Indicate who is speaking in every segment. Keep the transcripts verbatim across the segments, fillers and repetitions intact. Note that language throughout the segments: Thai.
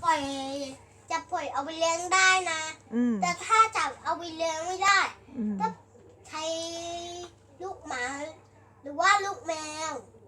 Speaker 1: ปล่อยจะปล่อยเอาไปเลี้ยงได้นะแต่ถ้าจับเอาไปเลี้ยงไม่ได้ก็ใช้ลูกหมาหรือว่าลูกแมว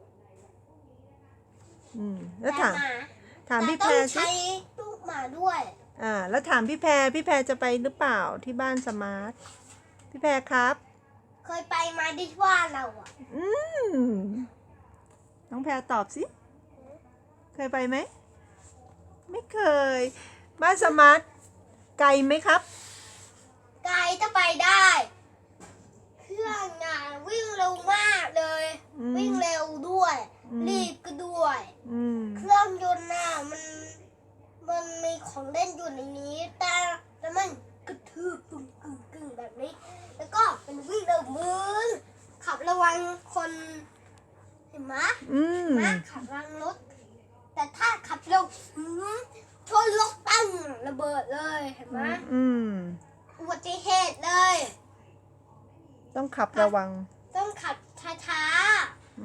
Speaker 2: อืมแล้วถามถามพี่แพรสิ
Speaker 1: ใช้ลูกหมาด้วย
Speaker 2: อ่าแล้วถามพี่แพรพี่แพรจะไปหรือเปล่าที่บ้านสมาร์ทพี่แพรครับ
Speaker 1: เคยไปมาที่บ้านเราอ่ะ
Speaker 2: อืมน้องแพรตอบสิเคยไปไหมไม่เคยบ้านสมาร์ทไกลไหมครับ
Speaker 1: ไกลจะไปได้เครื่องงานวิ่งเร็วมากเลยวิ่งเร็วด้วยรีบก็ด้วยเครื่องยนต์น่ะมันมันมีของเล่นอยู่ในนี้แต่แล้วมันกระทืบกึ่งกึ่งกึ่งแบบนี้แล้วก็เป็นวิ่งเร็วมือขับระวังคนเห็นไหมมาขับระวังรถแต่ถ้าขับเร็วชนรถตั้งระเบิดเลยเห็นไหมอุบัติเหตุเลย
Speaker 2: ต้องขับระวัง
Speaker 1: ต้องขับช้าๆ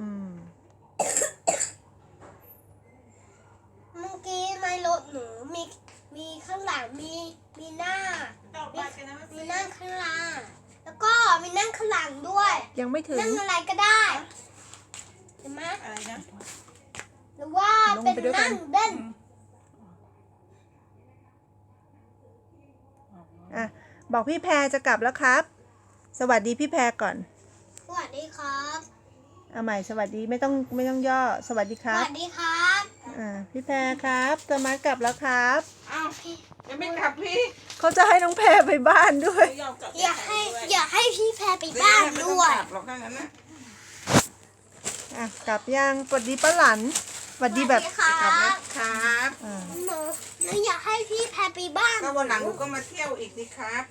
Speaker 1: เมื่อกี้ในรถหนูมีมีข้างหลังมีมีหน้ามีนั่งข้างหลังแล้วก็มีนั่งข้างหลังด้วย
Speaker 2: ยังไม่ถึง
Speaker 1: นั่งอะไรก็ได้เห็นไหมอะไรนะหรือว่าเป็นนั่งเล่น
Speaker 2: อ่ะบอกพี่แพรจะกลับแล้วครับสวัสดีพี่แพรก่อน
Speaker 1: สวัสดีครับ
Speaker 2: เอาใหม่สวัสดีไม่ต้องไม่ต้องย่อสวัสดีครับ
Speaker 1: สวัสดีครับ
Speaker 2: อ่าพี่แพรครับสมาร์ทกลับแล้วครับ
Speaker 1: อ้าวพี่
Speaker 3: ยังไม่กลับพี่
Speaker 2: เขาจะให้น้องแพรไปบ้านด้วย
Speaker 1: อยากให้อยากให้พี่แพรไปบ้านด้วย
Speaker 3: หรอกถ้างั้นนะ
Speaker 2: อ่ะกลับยังสวัสดีป้าหลันสวัสดีแบบ
Speaker 3: กลับแล้วครับ
Speaker 1: หนูหนูอยากให้พี่แพรไปบ้าน
Speaker 3: ก็วันหลังหนูก็มาเที่ยวอีกสิครับ